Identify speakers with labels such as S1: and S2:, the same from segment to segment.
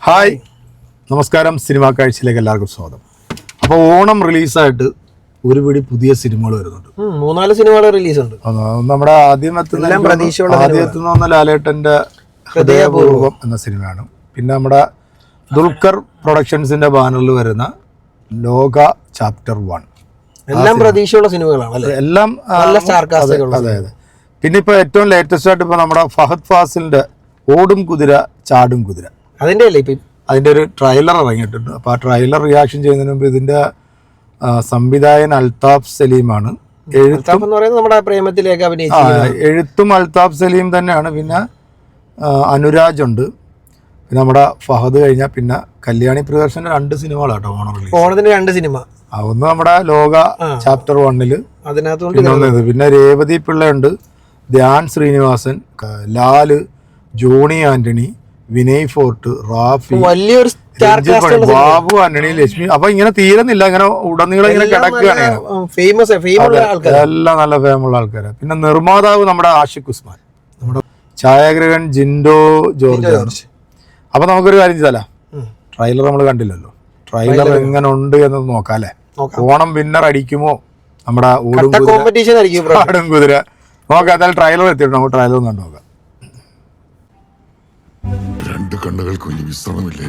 S1: Hi നമസ്കാരം cinema കാഴ്ചയിലേക്ക് എല്ലാവർക്കും സ്വാഗതം. അപ്പോൾ ഓണം റിലീസായിട്ട് ഒരു പിടി പുതിയ സിനിമകൾ വരുന്നുണ്ട്.
S2: 3-4 സിനിമകൾ റിലീസ് ഉണ്ട്.
S1: നമ്മുടെ ആദ്യം എത്തുന്ന ലാലേട്ടൻ്റെ ഹൃദയപൂർവ്വം എന്ന സിനിമയാണ്. പിന്നെ നമ്മുടെ ദുൽഖർ പ്രൊഡക്ഷൻസിന്റെ ബാനറിൽ വരുന്ന ലോക ചാപ്റ്റർ 1
S2: എല്ലാം പ്രതീക്ഷയുള്ള സിനിമകളാണ്.
S1: എല്ലാം അതെ. പിന്നെ ഇപ്പോൾ ഏറ്റവും ലേറ്റസ്റ്റ് ആയിട്ട് ഇപ്പോൾ നമ്മുടെ ഫഹദ് ഫാസിലിന്റെ ഓടും കുതിര ചാടും കുതിര അതിൻ്റെ ഒരു ട്രailer ഇറങ്ങിയിട്ടുണ്ട്. അപ്പോൾ ആ ട്രailer റിയാക്ഷൻ ചെയ്യുന്നതിന് മുമ്പ് ഇതിൻ്റെ സംവിധായകൻ അൽതാഫ് സലീമാണ്. എഴുത്തും അൽതാഫ് സലീം തന്നെയാണ്. പിന്നെ അനുരാജ് ഉണ്ട്. പിന്നെ നമ്മുടെ ഫഹദ് കഴിഞ്ഞാൽ പിന്നെ കല്യാണി പ്രിയദർശൻ്റെ 2 സിനിമകളാട്ടോ
S2: ഓണത്തിന് 2 സിനിമ.
S1: ഒന്ന് നമ്മുടെ ലോക ചാപ്റ്റർ 1 അതിനകത്ത് പിന്നെ രേവതി പിള്ളയുണ്ട്, ധ്യാൻ ശ്രീനിവാസൻ, ലാല്, ജോണി ആന്റണി, വിനയ് ഫോർട്ട്, റാഫി,
S2: വലിയൊരു
S1: ബാബു ആന്റണി, ലക്ഷ്മി. അപ്പൊ ഇങ്ങനെ തീരുന്നില്ല, ഇങ്ങനെ ഉടനീളം ഇങ്ങനെ കിടക്കുകയാണ്. എല്ലാം നല്ല ഫേമുള്ള ആൾക്കാരാണ്. പിന്നെ നിർമ്മാതാവ് നമ്മുടെ ആഷിഖ് ഉസ്മാൻ, നമ്മുടെ ഛായാഗ്രഹൻ ജിൻഡോ ജോർജ്. അപ്പൊ നമുക്കൊരു കാര്യം ചെയ്താലോ, ട്രailer നമ്മൾ കണ്ടില്ലല്ലോ, ട്രailer എങ്ങനെ ഉണ്ട് എന്ന് നോക്കാം അല്ലെ. ഓണം വിന്നർ അടിക്കുമോ നമ്മുടെ ഓടും കുതിര നോക്കാം. എന്തായാലും ട്രailer എത്തിയിട്ട് നമുക്ക് ട്രailer ഒന്ന് കണ്ടു നോക്കാം.
S3: രണ്ട് കണ്ണുകൾക്ക് വലിയ വിശ്രമമില്ലേ?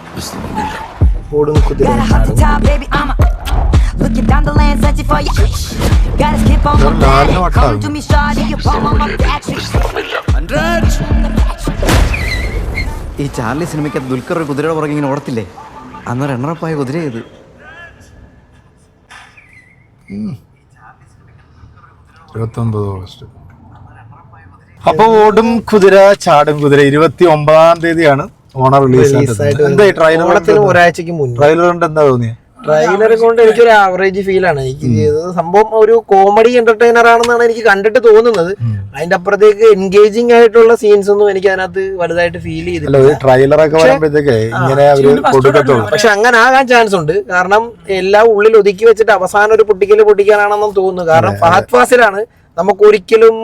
S4: ഈ ചാർലി സിനിമയ്ക്ക് ദുൽഖർ ഒരു കുതിരയുടെ പുറകെ ഇങ്ങനെ ഓടത്തില്ലേ? അന്ന് റണ്ണറപ്പായ കുതിര ചെയ്ത്
S1: 29 ഓഗസ്റ്റ്. അപ്പൊ ഓടും കുതിര ചാടും കുതിര 29-ാം തീയതിയാണ് ഓണം റിലീസ്. എന്താ
S2: ഒരാഴ്ചക്ക് മുന്നേ
S1: ട്രailer കൊണ്ട് എന്താ തോന്നിയത്?
S2: ട്രailer കൊണ്ട് എനിക്കൊരു ആവറേജ് ഫീൽ ആണ് എനിക്ക് സംഭവം. ഒരു കോമഡി എന്റർടൈനർ ആണെന്നാണ് എനിക്ക് കണ്ടിട്ട് തോന്നുന്നത്. അതിന്റെ അപ്പുറത്തേക്ക് എൻഗേജിങ് ആയിട്ടുള്ള സീൻസ് ഒന്നും എനിക്ക് അതിനകത്ത് വലുതായിട്ട് ഫീൽ ചെയ്തില്ല. പക്ഷെ അങ്ങനെ ആകാൻ ചാൻസ് ഉണ്ട്. കാരണം എല്ലാം ഉള്ളിൽ ഒതുക്കി വെച്ചിട്ട് അവസാനം ഒരു പൊട്ടിക്കാനാണെന്നും തോന്നുന്നു. കാരണം ഫഹദ് ഫാസിലാണ് നമുക്ക് ഒരിക്കലും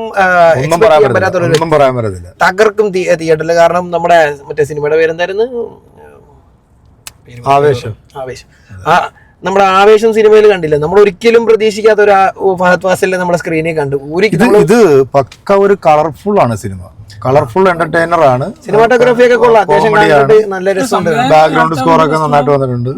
S2: തകർക്കും തിയേറ്ററിൽ. കാരണം നമ്മുടെ മറ്റേ സിനിമയുടെ പേരെന്തായിരുന്നു?
S1: ആവേശം.
S2: നമ്മുടെ ആവേശം സിനിമയിൽ കണ്ടില്ല, നമ്മൾ ഒരിക്കലും പ്രതീക്ഷിക്കാത്ത ഒരു ഫഹദ് ഫാസിലിനെ നമ്മുടെ സ്ക്രീനിൽ കണ്ടു.
S1: ഇത് പക്ക ഒരു കളർഫുൾ ആണ് സിനിമ, കളർഫുൾ എന്റർടൈനർ ആണ്.
S2: സിനിമാറ്റോഗ്രാഫി ഒക്കെ കൊള്ളാം, അത്യാവശ്യം നല്ല രസമുണ്ട്.
S1: ബാക്ക്ഗ്രൗണ്ട് സ്കോർ ഒക്കെ നന്നായിട്ട് വന്നിട്ടുണ്ട്.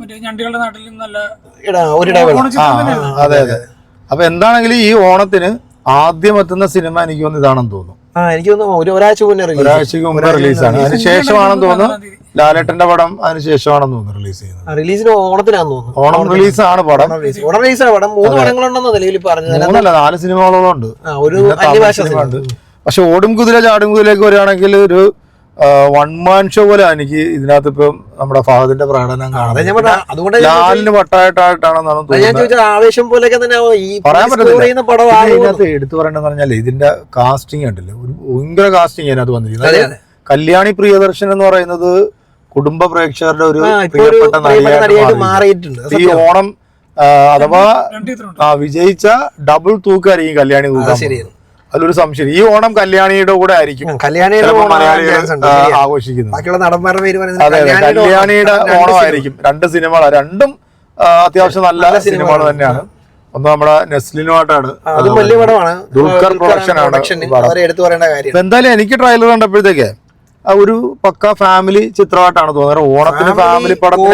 S1: അതെ. അപ്പൊ എന്താണെങ്കിലും ഈ ഓണത്തിന് ആദ്യം എത്തുന്ന സിനിമ എനിക്ക് തോന്നുന്നു ഇതാണെന്ന് തോന്നുന്നു.
S2: എനിക്ക് തോന്നുന്നു ഒരാഴ്ചക്ക് മുന്നേ റിലീസാണ്.
S1: അതിനുശേഷമാണെന്ന് തോന്നുന്നു ലാലേട്ടന്റെ പടം അതിനുശേഷമാണെന്ന് തോന്നുന്നു റിലീസ് ചെയ്യുന്നത്.
S2: റിലീസിന് ഓണത്തിനാന്ന് തോന്നുന്നു.
S1: ഓണം റിലീസാണ് പടം.
S2: ഓണം റിലീസാണ് പടം. 3 പടങ്ങളുണ്ടെന്ന് നിലവിൽ പറഞ്ഞത്.
S1: 4 സിനിമകളോളം ഉണ്ട്. പക്ഷെ ഓടും കുതിര ചാടും കുതിരയിലേക്ക് വരികയാണെങ്കിൽ ഒരു 1 man ഷോ പോലെ എനിക്ക് ഇതിനകത്ത് ഇപ്പം നമ്മുടെ ഫഹദിന്റെ പ്രകടനം കാണാം. ലാലിന് വട്ടായിട്ടാണെന്നാണ് തോന്നുന്നത്.
S2: ആവേശം പോലെയൊക്കെ തന്നെ
S1: പറയാൻ പറ്റത്തില്ല. ഇതിനകത്ത് എടുത്തു പറയേണ്ടതെന്ന് പറഞ്ഞാൽ ഇതിന്റെ കാസ്റ്റിംഗ് ഉണ്ടല്ലോ, ഒരു ഭയങ്കര കാസ്റ്റിംഗ് അതിനകത്ത് വന്നിരിക്കുന്നത്. കല്യാണി പ്രിയദർശൻ എന്ന് പറയുന്നത് കുടുംബ പ്രേക്ഷകരുടെ ഒരു പ്രിയപ്പെട്ട നടിയായിട്ട് മാറിയിട്ടുണ്ട്. ഈ ഓണം അഥവാ വിജയിച്ച ഡബിൾ തൂക്കായിരിക്കും കല്യാണി തൂക്കാൻ. അതിലൊരു സംശയം, ഈ ഓണം കല്യാണിയുടെ കൂടെ ആയിരിക്കും ആഘോഷിക്കുന്നത്. അതെ, കല്യാണിയുടെ ഓണമായിരിക്കും. 2 സിനിമകൾ, രണ്ടും അത്യാവശ്യം നല്ല സിനിമകൾ തന്നെയാണ്. ഒന്ന് നമ്മുടെ നെസ്ലിനുമായിട്ടാണ്, ദുൽഖർ പ്രൊഡക്ഷൻ ആണ്. എന്തായാലും എനിക്ക് ട്രailer കണ്ടപ്പോഴത്തേക്ക് ഒരു പക്ക ഫാമിലി ചിത്രമായിട്ടാണ് തോന്നുന്നത്. ഓണത്തിന് ഫാമിലി പടത്തിന്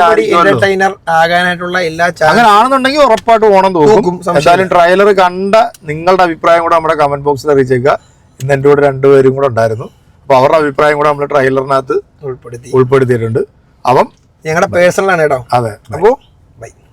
S1: അങ്ങനെ ആണെന്നുണ്ടെങ്കിൽ ഉറപ്പായിട്ട് ഓണം തോന്നും. എന്തായാലും ട്രailer കണ്ട നിങ്ങളുടെ അഭിപ്രായം കൂടെ നമ്മുടെ കമന്റ് ബോക്സിൽ അറിയിച്ചേക്കുക. ഇന്ന് എൻ്റെ കൂടെ 2 പേരും കൂടെ ഉണ്ടായിരുന്നു. അപ്പൊ അവരുടെ അഭിപ്രായം കൂടെ നമ്മൾ ട്രailerനകത്ത് ഉൾപ്പെടുത്തിയിട്ടുണ്ട്. അപ്പം
S2: ഞങ്ങളുടെ പേഴ്സണലാണ് കേട്ടോ.
S1: അതെ.
S2: അപ്പോൾ